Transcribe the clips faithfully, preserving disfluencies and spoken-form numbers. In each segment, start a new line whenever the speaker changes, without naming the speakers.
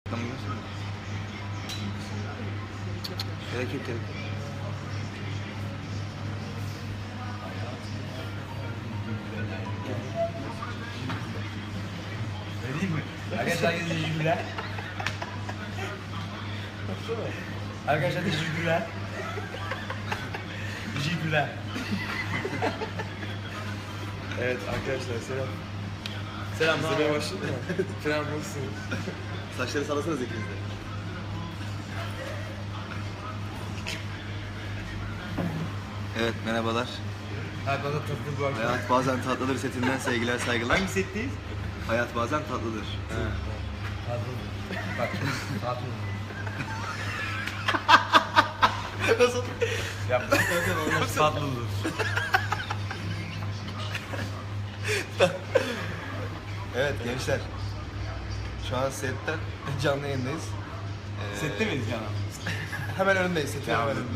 Tamam. Gerek yok gerek.
Vereyim mi? Arkadaşlar teşekkürler. Arkadaşlar teşekkürler. Teşekkürler.
Evet arkadaşlar selam.
Selam.
İzlemeye başladın mı? Selam nasılsınız?
Saçları sallasanız ikiniz de. Evet merhabalar.
Hadi bana tatlı bu akşam.
Hayat bazen tatlıdır setinden sevgiler saygılar.
Hangi setteyiz?
Hayat bazen tatlıdır.
Tatlı. Bak tatlı.
Nasıl?
Yapma. Tatlı olur.
Evet gençler. Şu an setten canlı yayındayız. Ee,
Sette miyiz canım?
Hemen önündeyiz. Setin hemen önünde.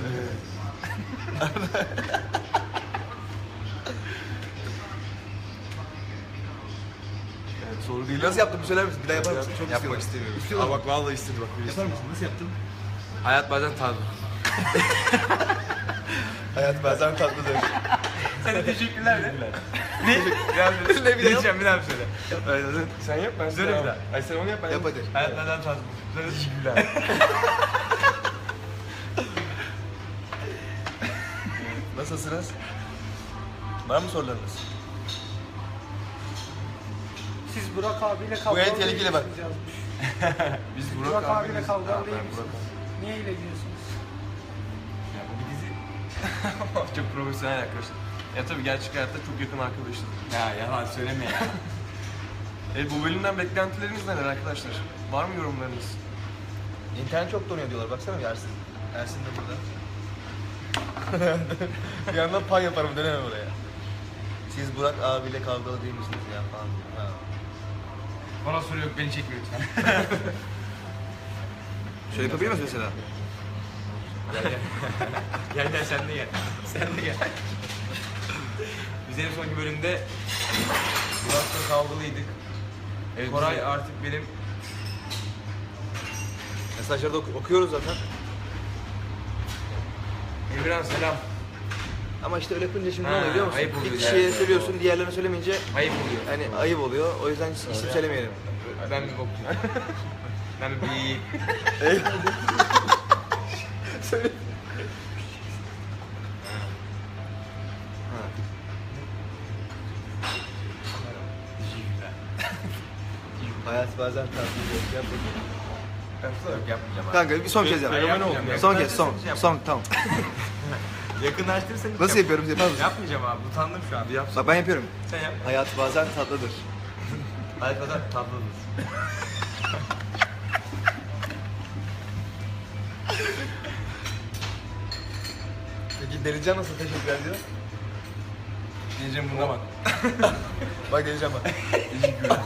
Evet, soru değil. Nasıl yaptın? Bir söyler misin? Bir daha yapar mısın? Çok
Yapmak
istiyorum.
istemiyorum. Aa bak vallahi istedi bak. birisi.
Yapar mısın? Nasıl yaptın?
Hayat bazen tatlı.
Hayat bazen tatlıdır.
Sen de teşekkürler de.
Ne? Yani
Ne bileyim.
Diyeceğim bir daha söyle.
sen yap ben
Söyle bir daha.
Ay sen onu yap ben
Yap hadi.
Hayat neden tatlı? Söyle teşekkürler.
Nasılsınız? Var mı sorularınız?
Siz Burak abiyle
Bu
kavgalı
en tehlikeli bak.
değilsiniz yazmış.
Biz
Burak,
Burak,
abiyle
abimiz-
kavgalı
Ha,
değil
ben Burak
misiniz? Niye öyle diyorsunuz?
Ya bu bir dizi. Çok profesyonel arkadaşlar. Ya tabii gerçek hayatta çok yakın arkadaşız.
Ya yalan söyleme ya.
E bu bölümden beklentileriniz neler arkadaşlar? Var mı yorumlarınız?
İnternet çok donuyor diyorlar. Baksana bir Ersin. Ersin de burada. Bir yandan pay yaparım dönemem oraya. Siz Burak abiyle kavgalı değil misiniz ya falan diyor. Ha.
Bana soru yok, beni çekme lütfen.
Şöyle yapabilir miyiz mesela?
Gel gel. Gel gel sen de gel. Sen de gel. Biz en sonki bölümde Burak'la kavgalıydık.
Evet,
Koray
bize-
artık benim
Mesajları da oku- okuyoruz zaten.
Emirhan selam.
Ama işte öyle yapınca şimdi
Ha,
ne oluyor biliyor musun?
ayıp oluyor
Bir kişiye
yani.
söylüyorsun, diğerlerine söylemeyince
Ayıp oluyor.
yani ayıp oluyor. O yüzden hiç isim söylemeyelim.
Ben bir bokçuyum. Ben bir bir...
Söyle. Hayat bazen tatlı. Yap bakayım.
Yok yapmayacağım abi.
Kanka bir son kez yap.
Ben yapmayacağım.
Son kez, son.
Yakınlaştırırsan
Son, tamam.
Yakınlaştırırsan hiç
Nasıl
yap-
yapıyorum? Yapar mısın?
Yapmayacağım abi. Utandım şu an. Yap.
Bak ben yapıyorum.
Sen yap.
Hayat bazen tatlıdır.
Hayat kadar tatlı olur.
Peki Delican nasıl teşekkür ediyor?
Diyeceğim buna bak.
Bak Delican bak.
Teşekkürler.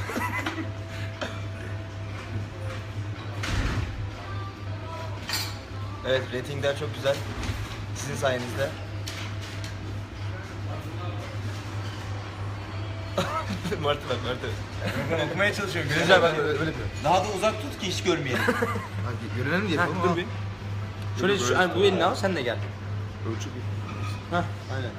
Evet, ratingler çok güzel. Sizin sayenizde. Martı bak, Martı.
Ben okumaya çalışıyorum.
Güzel, ben öyle, öyle yapıyorum.
Daha da uzak tut ki hiç görmeyelim.
Hadi görelim diye yapalım
Heh, dur
ama.
bir. Şöyle şu, hani bu elini al sen de gel.
Ölçü bir.
Hah.
Aynen.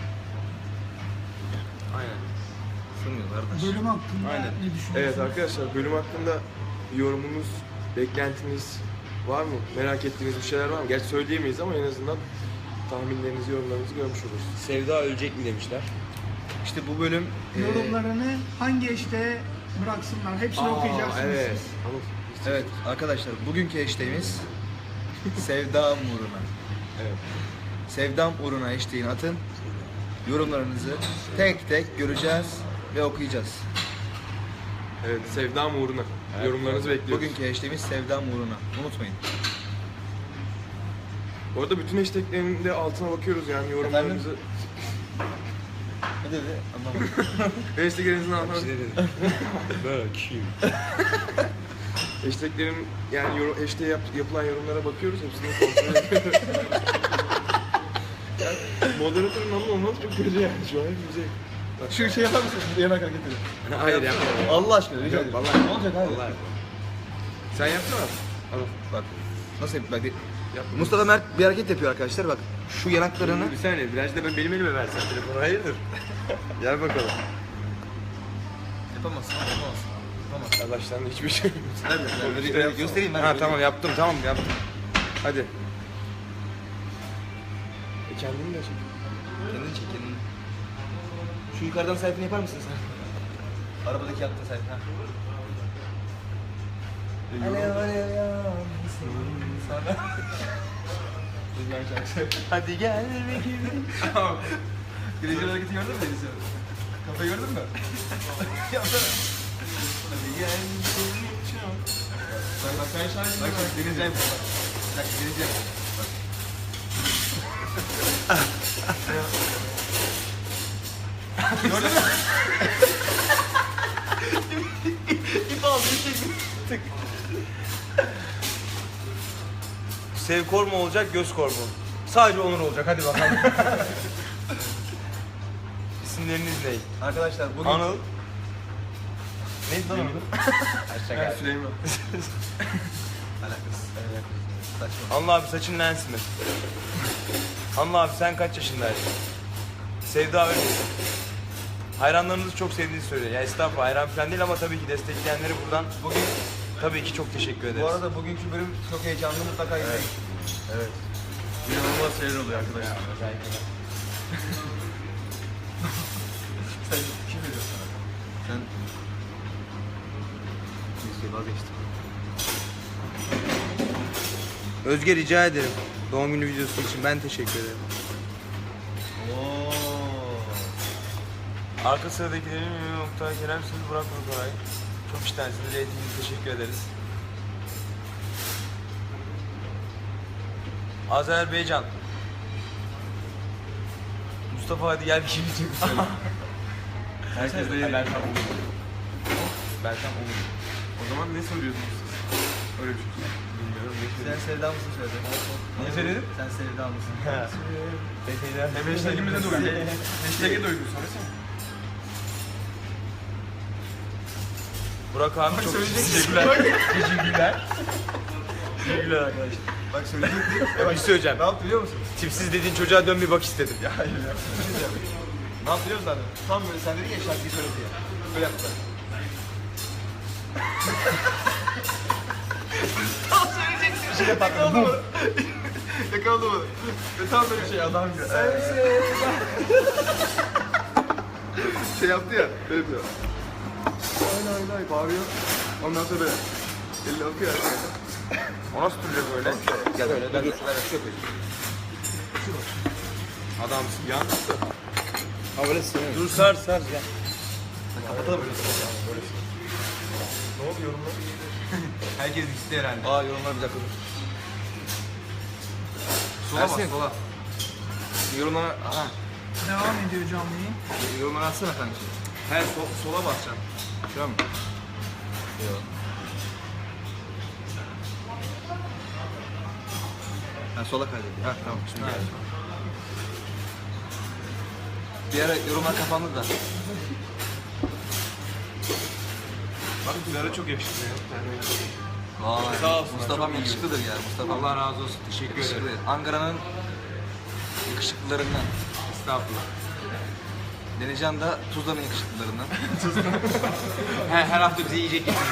Aynen.
Sığmıyor kardeş.
Bölüm hakkında
Aynen.
ne düşünüyorsunuz?
Evet arkadaşlar bölüm hakkında yorumunuz, beklentiniz var mı? Merak ettiğiniz bir şeyler var mı? Gerçi söyleyemeyiz ama en azından tahminlerinizi, yorumlarınızı görmüş oluruz.
Sevda ölecek mi demişler.
İşte bu bölüm... eee,
Yorumlarını hangi eşte bıraksınlar? Hepsini okuyacaksınız
Evet.
siz.
Anladım.
Evet arkadaşlar bugünkü hashtag'imiz Sevdam uğruna.
Evet.
Sevdam uğruna hashtag'ini atın. Yorumlarınızı tek tek göreceğiz ve okuyacağız.
Evet, sevdam uğruna. Yorumlarınızı bekliyoruz.
Bugünkü hashtag'imiz Sevdam uğruna. Unutmayın.
Bu arada bütün hashtaglerin de altına bakıyoruz yani yorumlarınızı.
Ne dedi? Anlamadım.
Hashtag'lerinizin altına
Böyle kim?
Hashtaglerin yani yorum, hashtag yap, yapılan yorumlara bakıyoruz. Hepsini kontrol ediyoruz. Yani moderatörün anlamı olmaz çok kötü yani şu an hepimize.
Şu şey yapar mısın? Yemek hareketini.
Hayır yapmıyorum.
Allah aşkına rica ederim.
Vallahi.
Ne olacak abi?
Vallahi.
Sen yapsana. Anıl.
Bak. Nasıl yap? Bak.
Yap.
Mustafa Mert bir hareket yapıyor arkadaşlar. Bak. Şu yanaklarını.
Bir saniye, biraz da ben benim elime versen telefonu, hayırdır? Gel bakalım.
Yapamazsın. Yapamazsın. Yapamazsın.
Baştan hiçbir şey.
Göstereyim, göstereyim ben.
Ha tamam yaptım, tamam yaptım. Hadi. E kendini de çek.
Kendini çek kendini. Şu yukarıdan selfie'ni yapar mısın sen? Arabadaki yaptığın selfie. Ha. Alev alev yansın sana. Rüzgar şarkısı. Hadi gel be gibi. Güneşin hareketi gördün mü Deniz'i? Kafayı gördün mü? Yapsana. Hadi gel seni çok. Bak bak ben şarkıyı bak. Bak Deniz yapıyor bak. Bak Deniz yapıyor. Bak. Gördün mü? İp aldı, tık.
Sev kor mu olacak, göz kor mu? Sadece Onur olacak, hadi bakalım. İsimleriniz ne?
Arkadaşlar bugün...
Anıl. Neydi lan onun?
Ben Süleyman.
Alakası. Saçma.
Anıl abi saçın lens mi? Anıl abi sen kaç yaşındaydın? Sevda öyle misin? Hayranlarınızı çok sevdiğini söylüyor. Ya estağfurullah hayran falan değil ama tabii ki destekleyenlere buradan
Bugün,
tabii ki çok teşekkür ederiz.
bu arada bugünkü bölüm çok heyecanlı, mutlaka izleyin.
Evet. İnanılmaz şeyler oluyor arkadaşlar.
Sen kim veriyor sana? Sen... Neyse vazgeçtim.
Özge rica ederim. Doğum günü videosu için ben teşekkür ederim.
Oo.
Arka sıradakilerin Ünlü Oktay Kerem siz Burak Koray. Çok iştensiniz. Reytinginize teşekkür ederiz. Azerbaycan. Mustafa hadi gel bir şey diyecek misin?
Herkes de
Ben tam olur. Ben tam olur.
O zaman ne soruyorsunuz siz? Öyle bir şey. Bilmiyorum.
Sen sevda mısın söyle.
Ne söyledin?
Sen sevda mısın?
Hem hashtag'imize de uydu. Hashtag'e de uydu. Söylesene.
Burak abi çok
söyleyeceksin.
teşekkürler. Teşekkürler. Teşekkürler arkadaşlar.
Bak söyleyecektim.
Bir şey söyleyeceğim.
Ne yaptı biliyor musun?
Tipsiz dediğin çocuğa dön bir bak istedim. Ya hayır ya.
Ne yaptı biliyor musun zaten? Tam böyle sen dedin ya şarkıyı söyle diye. Böyle yaptılar. Tam söyleyeceksin. Bir şey de patladı. Yakaladı mı? Yakaladı mı? Ve tam böyle şey adam gibi. Şey yaptı ya. Böyle yapıyor. Ay ay ay bağırıyor. Ondan sonra böyle. Elle okuyor.
O nasıl duracak öyle?
Gel böyle. Ben de ben de şu yapayım.
Adamsın ya.
Ha böyle sığınıyor.
Dur sar sar ya.
Kapatalım böyle.
Ne oldu yorumlar?
Herkes gitti herhalde.
Aa yorumlar bir dakika dur. Sola bas
Ersin.
sola. Yorumlara... Aha.
Devam ediyor canlı yayın.
Yorumlara atsana kanka.
He so, sola basacağım.
Şu an mı? Yok. Ha sola kaydediyor. Ha tamam şimdi geldi. Bir ara yorumlar kapandı da.
Bak Güler'e çok yakışıklı ya.
Vay.
Sağ olsun,
Mustafa'm
çok iyi.
yakışıklıdır ya. Mustafa.
Allah razı olsun. Teşekkür
Yakışıklı.
ederim.
Ankara'nın yakışıklılarından.
Estağfurullah.
Denizcan da Tuzla'nın yakışıklılarından.
He, her hafta bize yiyecek getirdi.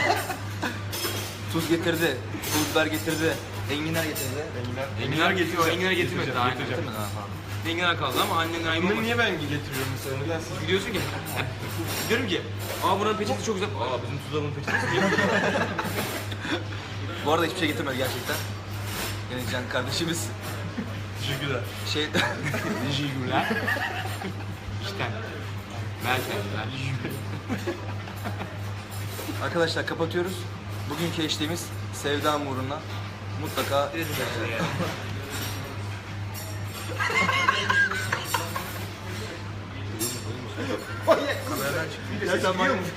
Tuz getirdi, pul biber getirdi, enginar getirdi.
Enginar getiriyor. Enginar getirmedi daha.
Getireceğim.
Getirmedi ha pardon.
Enginar kaldı ama annenin ayıbı
Bunu
olmadı.
niye ben getiriyorum mesela? Neden siz?
Gidiyorsun ki. Diyorum ki. Aa buranın peçeti çok güzel. Aa bizim Tuzla'nın peçetesi niye böyle?
Bu arada hiçbir şey getirmedi gerçekten. Denizcan kardeşimiz
Teşekkürler.
şey...
Teşekkürler. İşte. Merkezler.
Arkadaşlar kapatıyoruz. Bugünkü eşliğimiz Sevda uğruna mutlaka... Ya sen manyak mısın?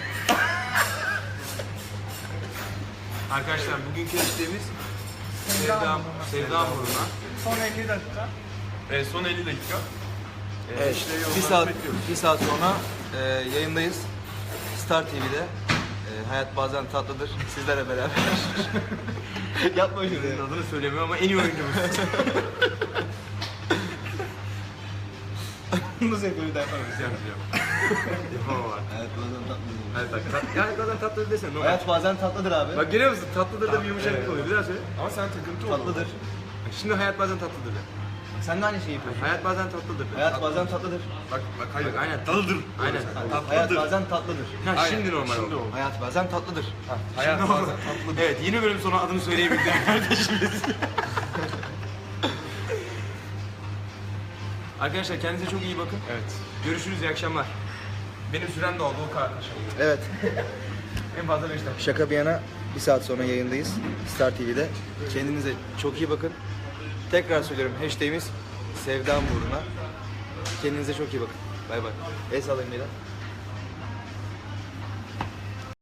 Arkadaşlar bugünkü eşliğimiz Sevda, Sevda Muruna.
Son elli dakika.
Evet, son elli dakika. Ee,
Evet,
işte
bir
yorumları
saat,
bekliyoruz.
bir saat sonra e, yayındayız. Star T V'de. E, Ee, hayat bazen tatlıdır. Sizlerle beraber. Yapma şunu.
Senin adını söylemiyor ama en iyi oyuncumuz.
Bunu sektörü de yapamayız.
Yapacağım. Yapamam abi.
Hayat bazen tatlıdır.
Hayat bak. tat- Ya bazen tatlı desene. normal.
Hayat bazen tatlıdır abi.
Bak görüyor musun? Tatlıdır da bir yumuşaklık
Evet.
oluyor. Bir daha söyle.
Ama sen takıntı oldun.
Tatlıdır.
Şimdi hayat bazen tatlıdır de.
Sen de aynı şeyi yapıyorsun.
Hayat bazen tatlıdır de.
Hayat bazen tatlıdır.
Bak bak hayır.
Bak, aynen tatlıdır. Aynen.
Hayat bazen tatlıdır.
Ha,
Aynen.
şimdi normal
Şimdi
oldu.
oldu.
Hayat bazen tatlıdır. Ha.
Hayat bazen tatlıdır. Evet yeni bölüm sonu adını söyleyebildim kardeşimiz. Arkadaşlar kendinize çok iyi bakın.
Evet.
Görüşürüz, iyi akşamlar. Benim sürem de oldu o kadar.
Evet.
En fazla beş dakika.
Şaka bir yana bir saat sonra yayındayız. Star T V'de. Kendinize çok iyi bakın. Tekrar söylüyorum hashtagimiz Sevdam uğruna. Kendinize çok iyi bakın. Bay bay. El sallayın beyler.